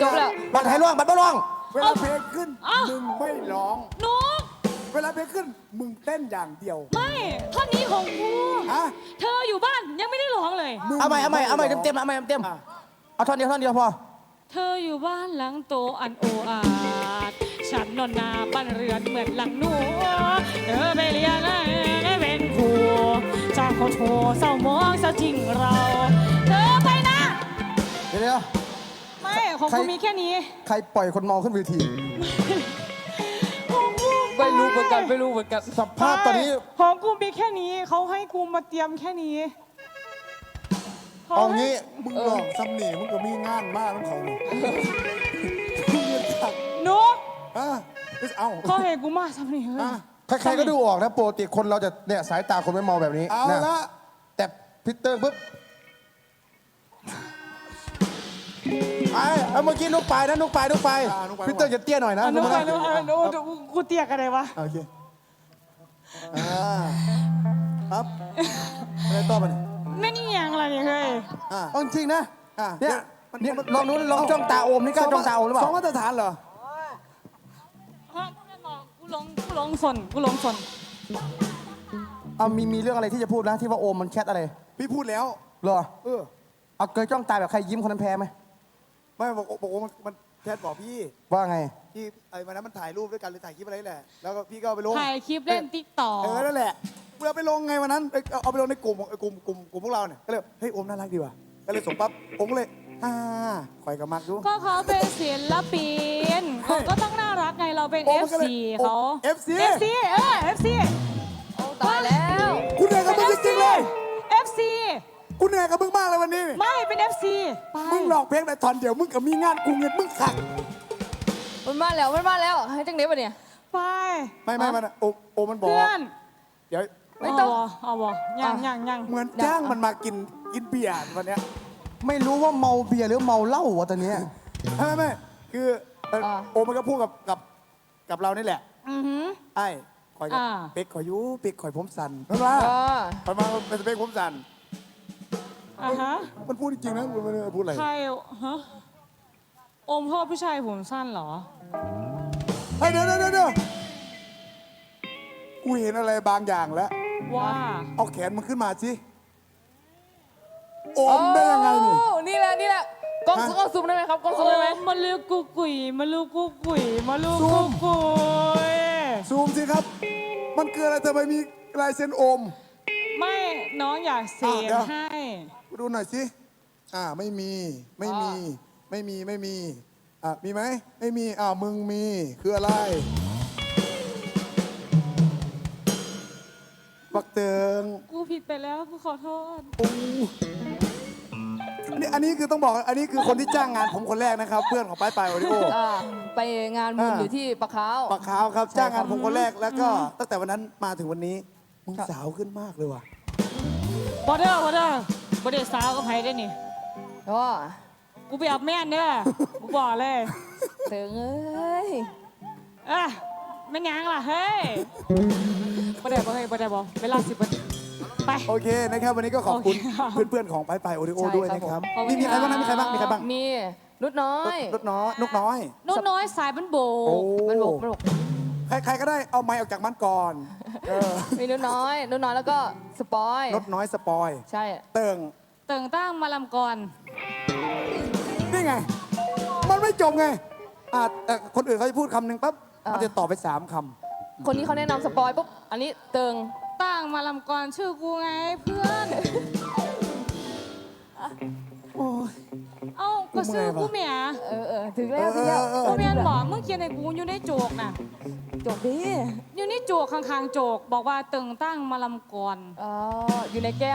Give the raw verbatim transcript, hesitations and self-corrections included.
จบแล้วบัตรให้ร้องบัตรไม่ร้องเวลาเพลงขึ้นมึงไม่ร้องนุกเวลาเพลงขึ้นมึงเต้นอย่างเดียวไม่ท่อนนี้ของกูฮะเธออยู่บ้านยังไม่ได้ร้องเลยเอาใหม่เอาใหม่เอาใหม่เต็มเต็มเอาใหม่เต็มเอาท่อนเดียวท่อนเดียวพอเธออยู่บ้านหลังโตอันโออาดฉันนอนนาบ้านเรือนเหมือนหลังหนูเธอไปเรียนได้เป็นครูจากเขาโทเศร้ามองซะจริงเรา เธอไปนะเดี๋ยวเดี๋ยวไม่ของกูมีแค่นี้ใครปล่อยคนเมาขึ้นเวทีของกูไม่รู้เหมือนกันไม่รู้เหมือนกันสภาพตอนนี้ของกูมีแค่นี้เขาให้กูมาเตรียมแค่นี้เอางี้มึงลองซ้ำหนีมึงก็มีงานมากทั้งเขามึงเรียนจักนุกอ่ะเอาเขาให้กูมาทำนี่เฮ้ยอ่ะใครๆก็ดูออกนะปกติคนเราจะเนี่ยสายตาคนไม่เมาแบบนี้เอานะละแต่พิเตอร์ปุ๊บไอ้เอาเมื่อกี้นุกไปนะนุกไปนุกไปพิเตอร์จะเตี้ยหน่อยนะอ่ะนุกไปนุนุกกมาไปนุกกูเตียกอะไรวะโอเคอ่าครับอะไรต่อไปเนี่ยไม่นี่ยังอะไรเนี่ยเฮ้ยอ่าเอาจริงๆนะอ่ะเนี่ยมันเนี่ยมันลองดูลองจ้องตาโอมนี่กล้าจ้องตาโอมหรือเปสอล่างมาตรฐานเหรอกูลงกูลงสนกูลงสนเอามีมีเรื่องอะไรที่จะพูดนะที่ว่าโอมมันแชทอะไรพี่พูดแล้วเหรอเออเอาเคยจ้องตาแบบใครยิ้มคนนั้นแพ้ไหมไม่บอกบอกว่ามันมันแชทบอกพี่ว่าไงที่ไอ้วันนั้นมันถ่ายรูปด้วยกันหรือถ่ายคลิปอะไรนี่แหละ แล้วก็พี่ก็เอาไปลงถ่ายคลิปเล่นติ๊กต็อกเออ นั่นแหละเพื่อไปลงไงวันนั้นเอ้ยเอาเอาไปลงในกลุ่มเอ้ยกลุ่มกลุ่มกลุ่มพวกเราเนี่ย ก็เลย เฮ้ยโอมน่ารักดีว่ะ ก็เลยส่งปั๊บผมก็เลยฮ่าคอยกับมักดูก็เขาเป็นศิลปินเขาก็ต้องน่ารักไงเราเป็นโอ้เอมัฟนก็เลยซีโอ้เขาเอฟซีเอฟซีเออเอฟซีโอ้ตายแล้วคุณเหนื่อยกับมึงจริงๆเลยเอฟซีกูเหนื่อยกับมึงมากเลยวันนี้ไม่เป็นเอฟซีไปมึงหลอกเพลงแต่ตอนเดียวมึงกับมีงานกูเงินมึงขัดมันมาแล้วมันมาแล้วให้จังเด็บปะเนี่ยไปไม่ไม่มันโอโอมันบอกเพื่อนเดี๋ยวไม่ต้องเอาบ่เอาบ่ยังยังยังเหมือนจ้างมันมากินกินเบียร์วันเนี้ยไม่รู้ว่าเมาเบียร์หรือเมาเหล้าวะตอนเนี้ยไม่ไม่ไม่คือเอ่ออ่าโอมันก็พูดกับกับกับเรานี่แหละอือหือไอ้คอยกับอ่าเป็กคอยอยูเป็กคอยผมสั่นเพราะว่าเออคอยมาเป็นสเปกผมสั่นอ่ะฮะมันพูดจริงๆนะมันไม่ได้พูดอะไรใครฮะโอมพ่อผู้ชายผมสั้นเหรอเฮ้ยเดี๋ยวเดี๋ยวเดี๋ยวเดี๋ยวกูเห็นอะไรบางอย่างแล้วว่าเอาแขนมันขึ้นมาสิโอมได้ยังไงนี่โอ้นี่แหละนี่แหละกล้องฮะกล้องซูมได้ไหมครับกล้องซูโอ้มได้ไหมมาลูกกุกกุยมาลูกกุกกุยมาลูกซูกุมกกุยซูมสิครับ มันคืออะไรทำไมมีลายเซ็นโอมไม่น้องอยากเสอ่ะกเดี๋ยวให้ดูหน่อยสิอ่าไม่มีไม่มี ไม่มีไม่มีอ่ะมีไหมไม่มีอ่ามึงมีคืออะไรบักเติงกูผิดไปแล้วกูขอโทษโอ้นี่อันนี้คือต้องบอกอันนี้คือคนที่จ้างงานผมคนแรกนะครับ เพื่อนของป้ายปลายโอริโออ่าไปงานบุญอ่าอยู่ที่ปะขาวปากขาวครับใช่จ้างงานครับผมคนแรกแล้วก็ตั้งแต่วันนั้นมาถึงวันนี้มึงครับสาวขึ้นมากเลยว่ะบอเดอร์บอเดอร์บอเดอร์สาวก็ไผได้นี่อ๋อกูไปอาบแม่นเด้อ กูบอกเลยเติงเอ้ยเอ้ยไม่นยังล่ะ เฮ้ยบอเดอร์บอเฮ้ยบอเดอร์บอเวลาสิบไปโอเคนะครับวันนี้ก็ขอบคุณโอเคครับเพื่อนๆของป้ายปลายโอริโอใช่ด้วยครับนะครับผมมีมีใครบ้างนะมีใครบ้างมีใครบ้างมีนุชน้อยรถน้อยนกน้อยนุ่นน้อยสายบันโบโอ้มันบกมันบกใครใครก็ได้เอาไม้ออกจากมันก่อนเออมีนุชน้อยนุชน้อยแล้วก็สปอยรถน้อยสปอยใช่เติงเติ่งตั้งมาลำกรนี่ไง มันไม่จบไงอ่ะเอ่อคนอื่นเขาจะพูดคำหนึ่งปั๊บมันจะตอบไปสามคคนนี้เขาแนะนำสปอยปุ๊บอันนี้เติงตั้งมาลำกรชื่อกูไงเพื่อนำโอ้ยเอ้าก็ชื่อกูเมียเออเออถึงแล้วถึงแล้วเออเออกูเมียนบอกมึงเขียนในกูอยู่ในโจกน่ะจบดีอยู่ในโจกข้างๆโจก บอกว่าเติ่งตั้งมาลำกรอ๋ออยู่ในแก้ว